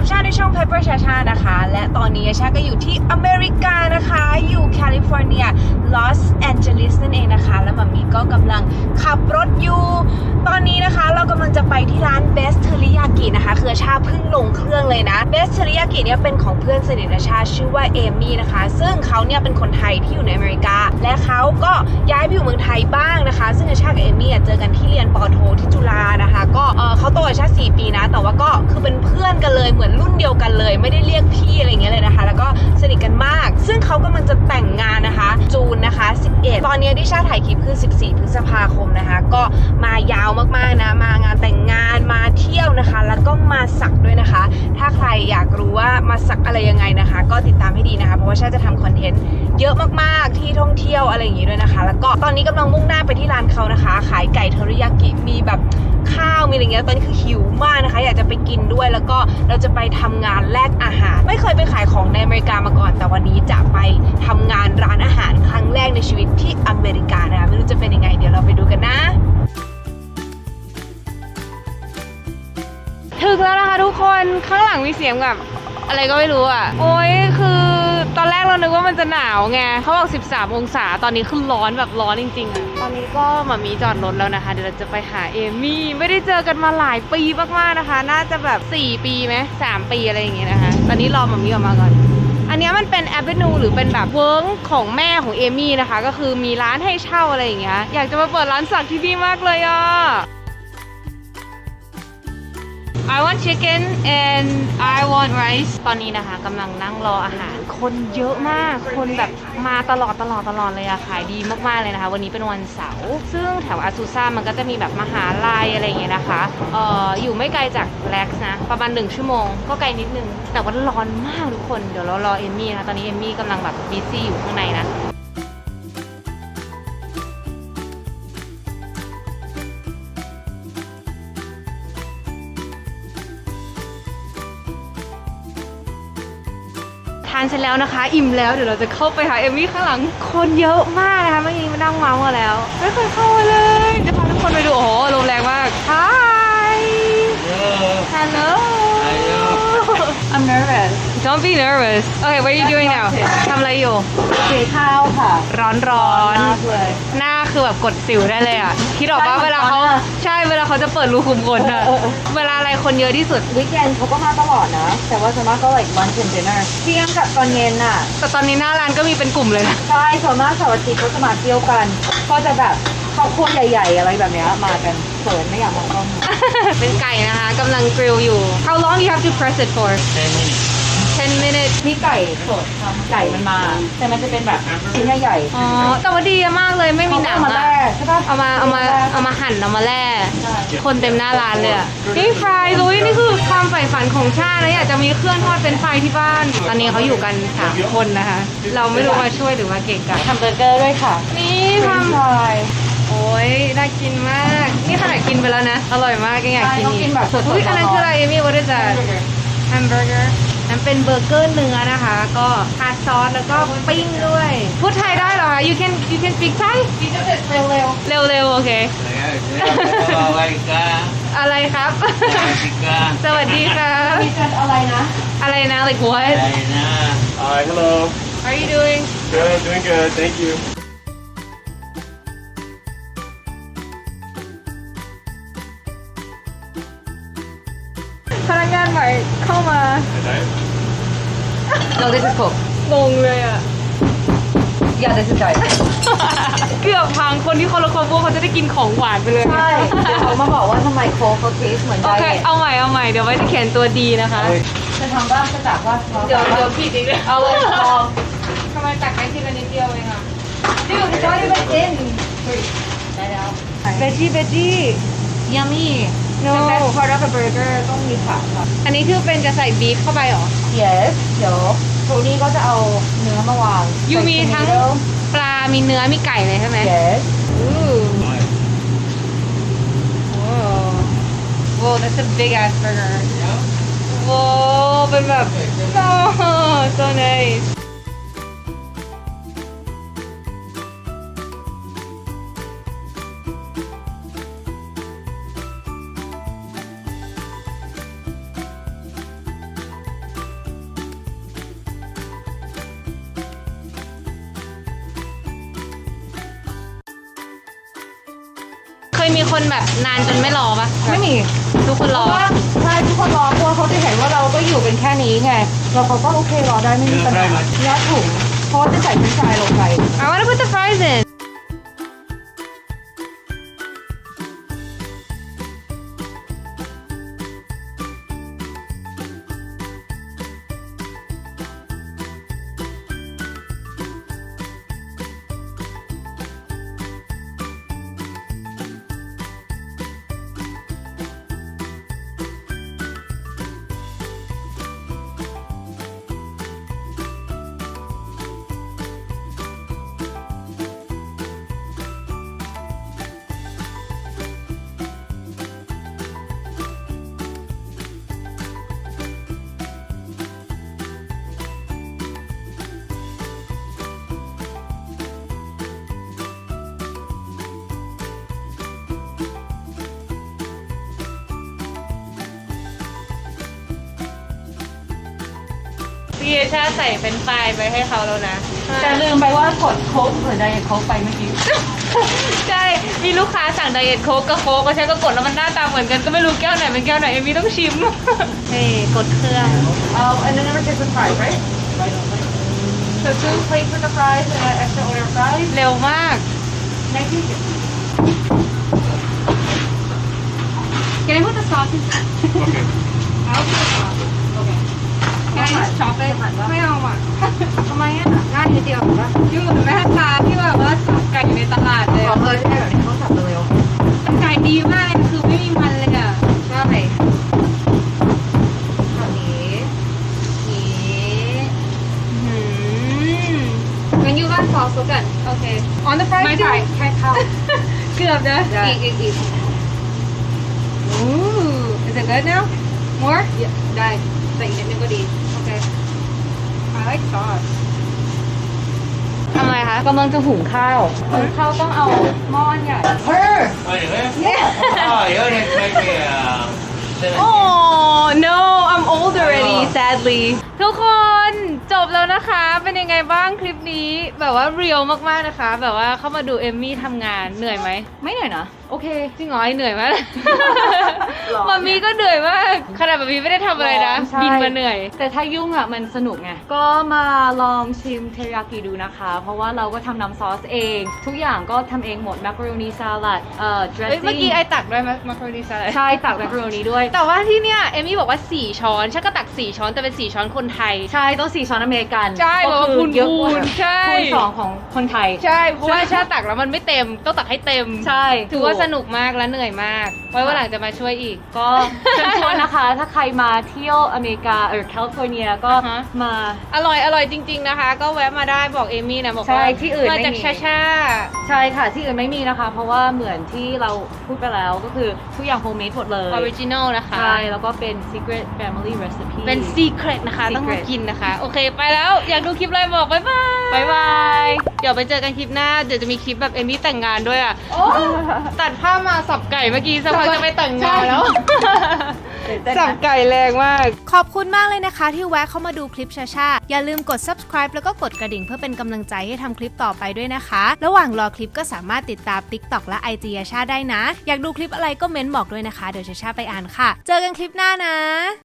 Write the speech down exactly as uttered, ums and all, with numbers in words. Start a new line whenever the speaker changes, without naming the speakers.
ชาในช่อง Pepper ชาชานะคะและตอนนี้ชาก็อยู่ที่อเมริกานะคะอยู่แคลิฟอร์เนียลอสแอนเจลิสนั่นเองนะคะแล้วมัมมี่ก็กำลังขับรถอยู่ตอนนี้นะคะเรากำลังจะไปที่ร้าน Best Teriyaki นะคะคือชาเพิ่งลงเครื่องเลยนะ Best Teriyaki เนี่ยเป็นของเพื่อนสนิทชาชื่อว่าเอมี่นะคะซึ่งเขาเนี่ยเป็นคนไทยที่อยู่ในอเมริกาและเขาก็ย้ายไปอยู่เมืองไทยบ้างนะคะซึ่งชากับเอมี่เจอกันที่เรียนปอโทที่จุฬานะคะก็เออเขาโตกว่าชาสี่ปีนะแต่ว่าก็คือเป็นเพื่อนกันเลยเหมือนรุ่นเดียวกันเลยไม่ได้เรียกพี่อะไรอย่างเงี้ยเลยนะคะแล้วก็สนิทกันมากซึ่งเขากำลังจะแต่งงานนะคะจูนนะคะสิบเอ็ดตอนนี้ที่ชาถ่ายคลิปคือสิบสี่พฤษภาคมนะคะก็มายาวมากๆนะมางานแต่งงานมาเที่ยวนะคะแล้วก็มาสักด้วยนะคะถ้าใครอยากรู้ว่ามาสักอะไรยังไงนะคะก็ติดตามให้ดีนะคะเพราะว่าชาจะทำคอนเทนต์เยอะมากๆที่ท่องเที่ยวอะไรอย่างงี้ด้วยนะคะแล้วก็ตอนนี้กำลังมุ่งหน้าไปที่ร้านเขานะคะขายไก่เทอริยากิมีแบบข้าวมีอะไรเงี้ยตอนนี้คือหิวมากนะคะอยากจะไปกินด้วยแล้วก็เราจะไปทำงานแลกอาหารไม่เคยไปขายของในอเมริกามาก่อนแต่วันนี้จะไปทำงานร้านอาหารครั้งแรกในชีวิตที่อเมริกานะคะไม่รู้จะเป็นยังไงเดี๋ยวเราไปดูกันนะถึงแล้วนะคะทุกคนข้างหลังมีเสียงแบบอะไรก็ไม่รู้อ่ะโอ้ยคือตอนแรกเรานึกว่ามันจะหนาวไงเขาบอกสิบสามองศาตอนนี้คือร้อนแบบร้อนจริงๆอ่ะตอนนี้ก็มามีจอดรถแล้วนะคะเดี๋ยวเราจะไปหาเอมี่ไม่ได้เจอกันมาหลายปีมากๆนะคะน่าจะแบบสี่ปีไหมสามปีอะไรอย่างเงี้ยนะคะตอนนี้รอมามีออกมาก่อนอันนี้มันเป็นแอเวนูหรือเป็นแบบเวิร์กของแม่ของเอมี่นะคะก็คือมีร้านให้เช่าอะไรอย่างเงี้ยอยากจะมาเปิดร้านสักที่นี่มากเลยอ่ะI want chicken and I want rice ตอนนี้นะคะกำลังนั่งรออาหารคนเยอะมากคนแบบมาตลอดตลอดตลอดเลยอะขายดีมากๆเลยนะคะวันนี้เป็นวันเสาร์ซึ่งแถวอาซูซ่ามันก็จะมีแบบมหาลัยอะไรอย่างเงี้ยนะคะเอ่ออยู่ไม่ไกลจากแล็กซ์นะประมาณหนึ่งชั่วโมงก็ไกลนิดนึงแต่ว่าร้อนมากทุกคนเดี๋ยวเรารอเอมมี่นะตอนนี้เอมมี่กำลังแบบบิซี่อยู่ข้างในนะทานเสร็จแล้วนะคะอิ่มแล้วเดี๋ยวเราจะเข้าไปหาเอมมี่ข้างหลังคนเยอะมากนะคะเมื่อกี้มานั่งเมาส์มาแล้วไม่เคยเข้ามาเลยจะพาทุกคนไปดูโอ้โหลมแรงมาก Hi Hello I'm nervous Don't be nervous Okay what are you doing now ทำอะไรอยู่
สีข้าวค่ะ
ร้อนร้อนเลยหน้าคือแบบกดสิวได้เลยอ่ะคิดออกป่ะเวลาเขาใช่เวลาเขาจะเปิดรูขุมขนอ่ะเวลาอะไรคนเยอะที่สุด
วิกเอนเขาก็มาตลอดนะแต่ว่าส่วนมากก็ like lunch and dinner เที่ยงกับตอนเย็นน่ะ
แต่ตอนนี้หน้าร้านก็มีเป็นกลุ่มเลยนะ
ใช่ส่วนมากเสาร์อาทิตย์เขาจะมาเที่ยวกันก็จะแบบครอบครัวใหญ่ๆอะไรแบบนี้มากันเขินไม่อยากมองกล้อง
เป็นไก่นะคะกำลังกริลอยู่ How long you have to press it for ten minutes
พี่ไก่สดค่ะไก่มันมาแต่มันจะเป็นแบบชิ้นใหญ่
ๆอ๋อแต่ว่าดีมากเลยไม่มีหนังอ่ะเอามาเอามาเอามาหั่นเอามาแล่คนเต็มหน้าร้านเลยอ่ะนี่ฟรายลุยนี่คือความใฝ่ฝันของชาตินะอยากจะมีเครื่องทอดเป็นไฟที่บ้านตอนนี้เขาอยู่กันสามคนนะคะเราไม่รู้มาช่วยหรือมาเก่งกัน
ทำเบอร์เกอร์ด้วยค่ะ
นี่ทำโอ้ยน่ากินมากนี่ขนาดกินไปแล้วนะอร่อยมากก็อยากกินอีกอุ้ยอันนั้นคืออะไรเอมี่ว่าจะแฮมเบอร์เกอร์นั่นเป็นเบอร์เกอร์เนื้อนะคะก็ทาซอสแล้วก็ปิ้งด้วยพูดไทยได้เหรอคะ you can you can speak Thai
เร็วเร็ว
เร็วเร็วโอเคอะไรครับสวัสดีค่ะ
มีกันอะไรนะ
อะไรนะ like what
Hi hello
how are you doing
good doing good thank you
พนักงานใหม่เข้ามา
No this is Coke
งงเลยอ่ะ
Yeah this is Diet
เกือบพังคนที่เขาละครพวกเขาจะได้กินของหวานไปเลย
ใช่เดี๋ยวเขามาบอกว่าทำไมโค้กเขาเทสเหมือนได
โอเคเอาใหม่เอาใหม่เดี๋ยวไว้จะเขียนตัวดีนะคะ
จะทำบ้างจะจากว่า
เดี๋ยวเดี๋ยวผิดอีกเลยเอาเลยพอทำไมตักได้ทีละนิดเดียวเองอ่ะ
นี่อยู่ที่จอยไม่กินได้แล้ว
เบจี้เบจี้
Yummy
no
the best part of a burger ต้องมีผักค่ะ
อันนี้คือเป็นจะใส่บีฟเข้าไปเหรอ
Yes เดี๋ยวโทนี่ก็จะเอาเนื้อมาวาง
ยูมีทั้งปลามีเนื้อมีไก่เลยใช่ไหม
Yes
อู้โอ้ Whoa that's a big ass burger Whoa เป็นแบบ so so nice คนแบบนานจนไม่รอปะ
ไม่มี
ทุกคนรอ
เพราะว่าใช่ทุกคนรอเพราะว่าเขาจะเห็นว่าเราก็อยู่เป็นแค่นี้ไงเราเขาก็โอเครอได้ไม่มีปัญหายัดถุงเพราะว่าจะใส่เฟรนช์ฟรายลงไป
I wanna put the fries inพี่เอชาใส่เป็นไฟล์ไปให้เขาแล้วนะ
แต่ลืมไปว่ากดโค้กหรือไดเอทโค้กไปเมื่อกี้
ใช่ มีลูกค้าสั่งไดเอทโค้กกับโค้กก็ใช้ก็กดแล้วมันหน้าตาเหมือนกันก็ไม่รู้แก้วไหนเป็นแก้วไหนเอมี่ต้องชิม เฮ้กดเครื่อง
Um, and then never take the fries, right? So two plates with the fries and an extra order of fries.
เร็วมาก
Thank you. Can I put the sauce in?
Okay.
I'll put the sauce. Okay. Can I just chop it?
ไม่เอาอ่ะ
ทำไมอ่ะง่ายนิดเดียวเหรอวะ
อยู่เหมือนแม่ค้าที่แบบว่าสับไก่อยู่ในตลาดเลย
ขอ
อะ
เบอร์ใช่แบบนี้เขาสับเร็ว
ไก่ดีมากเลยคือไม่มีมันเลยอ่ะ
ใช่แบบนี้นี้
อืม
งั้นยูราดซอสแล้วกัน
โอเค on the fries
ไม่ใช่แค่ข้าว
เกือบนะ
อีกอีกอีก
Ooh, is it good now? More?
ได้แต่อีกนิดนึงก็ดี
Okay. I like sauce. ทำอะไรคะ
กำลังจะหุงข้าวหุงข้าวต้องเอาหม้ออันใหญ่เฮ้ย
Oh, you live? Yeah. Oh, you're gonna make me uh, seven.
Oh no, I'm old already, sadly. ทุกคนจบแล้วนะคะ เป็นยังไงบ้างคลิปนี้ แบบว่าเรียลมากๆนะคะ แบบว่าเข้ามาดูเอมมี่ทำงานเหนื่อยไหม
ไม่เหนื่อยนะ โอเค
จริงเหรอไอเหนื่อยมาก
หรอ
มามีก็เหนื่อยมาก ขนาดมามีไม่ได้ทำอะไรนะ
ใช่
บินมาเหนื่อย
แต่ถ้ายุ่งอ่ะมันสนุกไง ก็มาลองชิมเทริยากิดูนะคะ เพราะว่าเราก็ทำน้ำซอสเอง ทุกอย่างก็ทำเองหมดมักโรนีซาลัดเอ่อ
เอ้ย
dressing
เมื่อกี้ไอตักด้วยมั้ยมาโครนีสลัด
ใช่ตักมักโรนีด้วย
แต่ว่าที่เนี่ยเอมมี่บอกว่าสี่ช้อนฉันก็ตักสี่ช้อนแต่เป็นสี่ช้อนคนไทย
ใช่ต้องสี่ช้อนอเมริกัน
ใช่
ก็
บอกว่า
คือ
คูณ
เยอะกว่า
คูณใช่
คูณสองของคนไทย
ใช่ เพราะว่าชาตักแล้วมันไม่เต็ม ต้องตักให้เต็ม
ใช่
ถือว่าสนุกมากและเหนื่อยมาก ไว้วันหลังจะมาช่วยอีก
ก็เชิญชวนนะคะ ถ้าใครมาเที่ยวอเมริกาหรือแคลิฟอร์เนียก็
อ่าฮะ
มา
อร่อยอร่อยจริง ๆนะคะ ก็แวะมาได้บอกเอมี่นะบอก
ใช่
ว่า
ที่อื่น
มา
ไม่
จาก
มี
ชาชา
ใช่ค่ะ ที่อื่นไม่มีนะคะ เพราะว่าเหมือนที่เราพูดไปแล้วก็คือทุกอย่างโฮมเมดหมดเลย
ออริจินอลนะคะ
ใช่ แล้วก็เป็น secret family recipe
เป็นซีเครตนะคะ ต้องมา
Secret
กินนะคะ โอเคไปแล้ว อยากดูคลิปอะไรบอกบ๊ายบาย
บ๊ายบาย
เดี๋ยวไปเจอกันคลิปหน้า เดี๋ยวจะมีคลิปแบบเอมี่แต่งงานด้วยอ่ะ
โอ้
ตัดภาพมาสับไก่เมื่อกี้สักพักจะไปแต่งงานแล้ว
ตื่นเต้น
สับ
นะ
ไก่แรงมาก
ขอบคุณมากเลยนะคะที่แวะเข้ามาดูคลิปชาชาอย่าลืมกด subscribe แล้วก็กดกระดิ่งเพื่อเป็นกำลังใจให้ทำคลิปต่อไปด้วยนะคะ ระหว่างรอคลิปก็สามารถติดตาม TikTok และ ไอ จี ชาชาได้นะ อยากดูคลิปอะไรก็เม้นบอกด้วยนะคะ เดี๋ยวชาชาไปอ่านค่ะ เจอกันคลิปหน้านะ